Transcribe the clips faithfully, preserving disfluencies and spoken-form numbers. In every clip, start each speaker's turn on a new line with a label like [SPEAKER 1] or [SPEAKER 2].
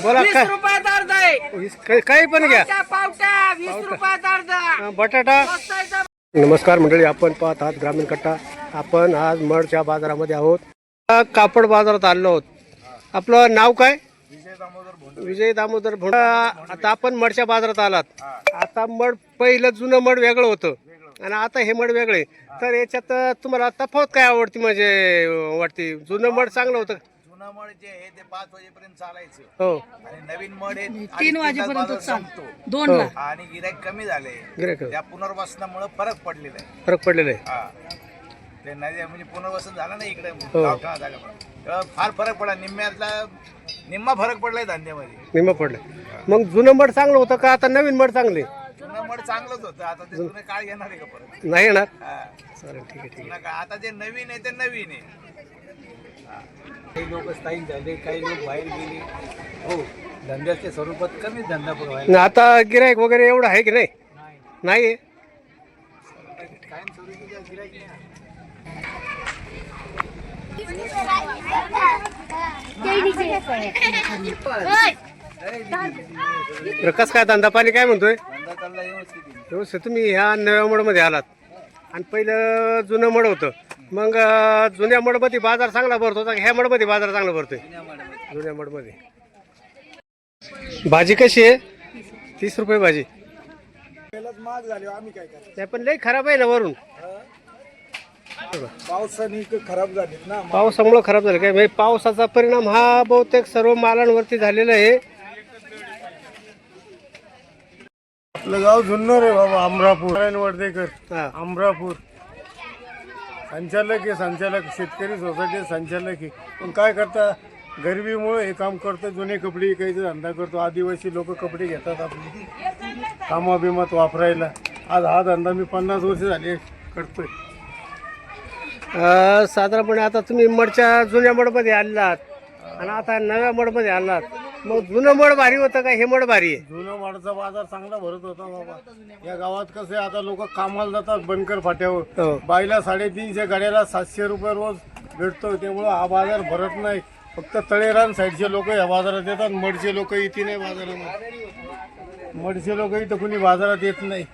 [SPEAKER 1] बोला
[SPEAKER 2] वीस
[SPEAKER 1] काय
[SPEAKER 2] रुपयात अर्धा आहे.
[SPEAKER 1] वीस- काही काही पण घ्या.
[SPEAKER 2] पावटा पावटा वीस रुपयात अर्धा.
[SPEAKER 1] हा, बटाटा.
[SPEAKER 2] मस्त आहे सर.
[SPEAKER 1] नमस्कार मंडळी, आपण पाहत आहात ग्रामीण कट्टा. आपण आज मडच्या बाजारामध्ये आहोत. आ, कापड बाजारात आलो आहोत. आपलं नाव काय? विजय दामोदर भोंडा. आता आपण मडच्या बाजारात आलात. आता मड पहिलं जुनं मड वेगळं होतं आणि आता हे मड वेगळे. तर याच्यात तुम्हाला तफावत काय आवडती म्हणजे वाटते? जुनं मड चांगलं होतं.
[SPEAKER 3] जुनं मड जे आहे ते पाच वाजेपर्यंत चालायचं
[SPEAKER 1] हो,
[SPEAKER 3] आणि नवीन मड हे
[SPEAKER 2] तीन वाजेपर्यंत
[SPEAKER 3] संपतो
[SPEAKER 2] दोन
[SPEAKER 1] हो.
[SPEAKER 2] ला.
[SPEAKER 3] आणि गिराईक कमी झाले.
[SPEAKER 1] गिऱ्हाईक
[SPEAKER 3] त्या पुनर्वसनामुळे फरक पडलेला आहे.
[SPEAKER 1] फरक पडलेला आहे.
[SPEAKER 3] हा ते नाही म्हणजे पुनर्वसन झालं ना इकडे
[SPEAKER 1] हो.
[SPEAKER 3] गावठाणा जागा तेव्हा फार फरक पडला. निम्म्यातला निम्मा फरक पडलाय धंद्यामध्ये.
[SPEAKER 1] निम्म पडलं. मग जुनं मड चांगलं होतं का आता नवीन मड चांगले?
[SPEAKER 3] जुनं मड चांगलंच होतं. आता ते जुने काळ येणार आहे का परत?
[SPEAKER 1] नाही येणार.
[SPEAKER 3] हा.
[SPEAKER 1] चालेल, ठीक आहे ठीक
[SPEAKER 3] जुनं काळ आता जे नवीन आहे ते नवीन आहे.
[SPEAKER 4] काही लोक स्थायिक झाले, काही लोक बाहेर गेले. हो, धंद्याच्या स्वरूपात कमी धंदा पण व्हायला
[SPEAKER 1] आहे. आता गिरायक वगैरे एवढं आहे की नाही?
[SPEAKER 4] नाही.
[SPEAKER 1] नाही आहे.
[SPEAKER 4] कायम स्वरूपीचा गिऱ्हाईक नाही.
[SPEAKER 1] तर कसं काय धंदा पाणी काय म्हणतोय?
[SPEAKER 4] धंदा चालला व्यवस्थित आहे.
[SPEAKER 1] व्यवस्थित. तुम्ही ह्या नव्या मडमध्ये आलात आणि पहिलं जुनं मड होतं. मग अं, जुन्या मडमध्ये बाजार चांगला भरतो होता, ह्या मडमध्ये बाजार चांगला भरतोय? जुन्या मडमध्ये. भाजी कशी आहे? तीस रुपये भाजी. नाही पण लई खराब आहे ना वरून.
[SPEAKER 4] पावसाने खराब झालीत ना.
[SPEAKER 1] पावसामुळे खराब झालं काय? म्हणजे पावसाचा परिणाम हा बहुतेक सर्व मालांवरती झालेला आहे.
[SPEAKER 5] आपलं गाव जुन्नर आहे बाबा. अमरापूर नारायण वर्धेकर.
[SPEAKER 1] हा.
[SPEAKER 5] अमरापूर संचालक आहे. संचालक शेतकरी सोसायटी संचालक आहे. पण काय करता, गरिबीमुळे हे काम करतो. जुने कपडे विकायचा धंदा करतो. आदिवासी लोक कपडे घेतात आपले कामाबिमात वापरायला. आज हा धंदा मी पन्नास वर्ष झाले करतोय.
[SPEAKER 1] अं, साधारणपणे आता तुम्ही मडच्या जुन्या मडमध्ये आलात आणि आता नव्या मडमध्ये आलात. मग जुनं मड भारी होतं का हे मड भारी आहे?
[SPEAKER 5] जुनं माडाचा बाजार चांगला भरत होता बाबा. या गावात कसं आहे, आता लोक कामाला जातात बनकर फाट्यावर.
[SPEAKER 1] हो.
[SPEAKER 5] बाईला साडेतीनशे गाड्याला सातशे रुपये रोज भेटतो. त्यामुळं हा बाजार भरत नाही. फक्त तळेरान साईडचे लोक या बाजारात येतात. मडचे लोक इथे नाही बाजारामध्ये. मडचे लोक इथं कुणी बाजारात येत नाही.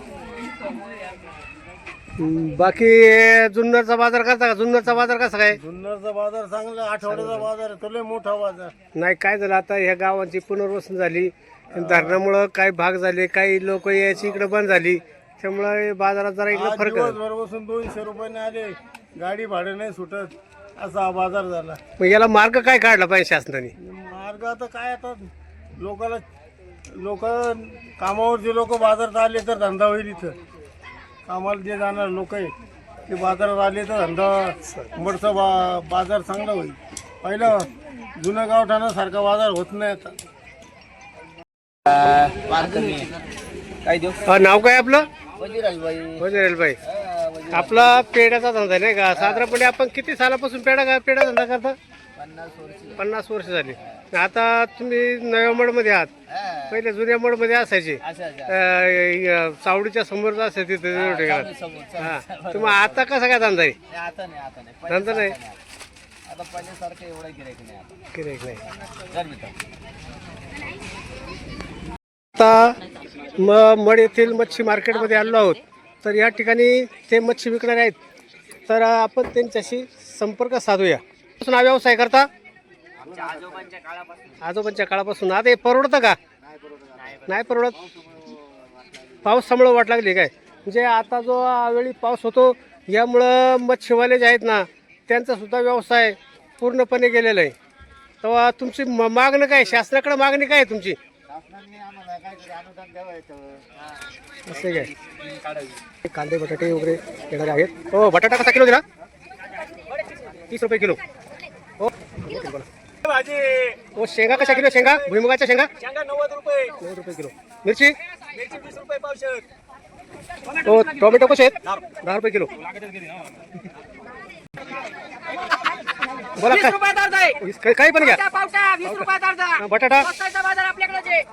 [SPEAKER 1] हम्म, बाकी जुन्नरचा बाजार कसा का? जुन्नरचा बाजार कसा काय?
[SPEAKER 5] जुन्नरचा बाजार चांगला. आठवड्याचा बाजार आहे. तो लय मोठा बाजार.
[SPEAKER 1] नाही, काय झालं आता ह्या गावांची पुनर्वसन झाली. धरणामुळं काही भाग झाले, काही लोक यायची इकडे बंद झाली. त्यामुळे बाजारात जरा इकडे
[SPEAKER 5] आज
[SPEAKER 1] फरक आहे.
[SPEAKER 5] दिवसभर बसून दोनशे रुपयाने आले. गाडी भाडे नाही सुटत. असा हा बाजार झाला.
[SPEAKER 1] मग याला मार्ग काय काढला पाहिजे शासनाने?
[SPEAKER 5] मार्ग आता काय, आता लोकाला लोक कामावरचे लोक बाजारात आले तर धंदा होईल. इथं कामाला जे जाणार लोक आहे ते बाजारात आले तर धंदा मडचा बा बाजार चांगला होईल. पहिलं जुनं गावठाणासारखा बाजार होत नाही आता.
[SPEAKER 4] काय देऊ?
[SPEAKER 1] अ, नाव काय आपलं?
[SPEAKER 4] वजीराजबाई.
[SPEAKER 1] वजीराजबाई. आपला पेढ्याचा धंदा आहे नाही का? साधारणपणे आपण किती सालापासून पेढा का पेढा धंदा करता?
[SPEAKER 4] पन्नास वर्ष.
[SPEAKER 1] पन्नास वर्ष झाली. आता तुम्ही नव्या मडमध्ये आहात. पहिले जुन्या मडमध्ये असायचे.
[SPEAKER 4] अच्छा अच्छा.
[SPEAKER 1] अ, य- चावडीच्या समोरच असायचे तिथे त्या ठिकाणी.
[SPEAKER 4] समोर
[SPEAKER 1] हा. तुम्ही आता कसा काय धंदा आहे?
[SPEAKER 4] नाही, आता नाही आता नाही.
[SPEAKER 1] धंदा नाही.
[SPEAKER 4] आता पहिल्यासारखं एवढं गिऱ्हाईक नाही आता.
[SPEAKER 1] गिऱ्हाईक नाही.
[SPEAKER 4] गरमी
[SPEAKER 1] आता म मड येथील मच्छी मार्केटमध्ये आलो आहोत. तर या ठिकाणी ते मच्छी विकणारे आहेत. तर आपण त्यांच्याशी संपर्क साधूया. पासून हा व्यवसाय करता? आजोबांच्या काळापासून. आता हे परवडतं का? नाही परवडत. पावसामुळं वाट लागली काय? म्हणजे आता जो यावेळी पाऊस होतो यामुळं मच्छीवाले जे आहेत ना त्यांचा सुद्धा व्यवसाय पूर्णपणे गेलेला आहे. तेव्हा तुमची म मागणं काय? शासनाकडे मागणी काय आहे तुमची? असे काय कांदे बटाटे वगैरे येणारे आहेत. हो, बटाटा कसा किलो दिला? तीस रुपये किलो. हो हो. शेंगा कशा किलो? शेंगा भुईमुगाच्या शेंगा
[SPEAKER 4] नव्वद रुपये.
[SPEAKER 1] नऊ रुपये किलो. मिरची
[SPEAKER 4] वीस रुपये पावशेर.
[SPEAKER 1] हो. टोमॅटो कसे आहेत? दहा रुपये किलो. बोला
[SPEAKER 2] वीस
[SPEAKER 1] काय?
[SPEAKER 2] रुपयात अर्धा आहे.
[SPEAKER 1] वीस- काही काही पण घ्या.
[SPEAKER 2] पावटा पावटा वीस रुपयात अर्धा.
[SPEAKER 1] हा, बटाटा
[SPEAKER 2] मस्त आहे बाजार आपल्याकडेच आहे.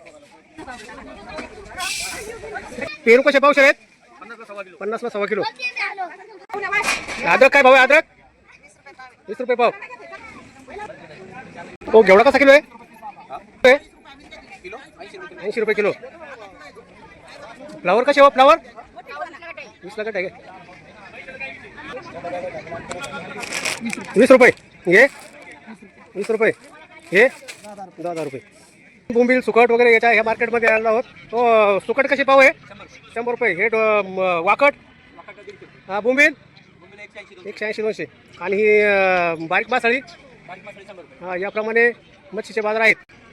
[SPEAKER 1] पेरू कसे पावशेर आहेत? पन्नासला सव्वा किलो. अद्रक काय भाव आहे? अद्रक वीस रुपये पाव. हो, घेवडा कसा किलो आहे? ऐंशी रुपये किलो. फ्लावर कसे हो फ्लावर? वीसला कट आहे का? वीस रुपये हे वीस रुपये हे दहा दहा रुपये. बोंबील सुकट वगैरे याच्या ह्या मार्केटमध्ये आलो आहोत. तो सुकट कसे पाव आहे? शंभर रुपये. हे डो- म- वाकट हा बोंबील एकशे ऐंशी दोनशे. आणि ही अं, बारीक मासळी हा याप्रमाणे मच्छीचे बाजार आहेत.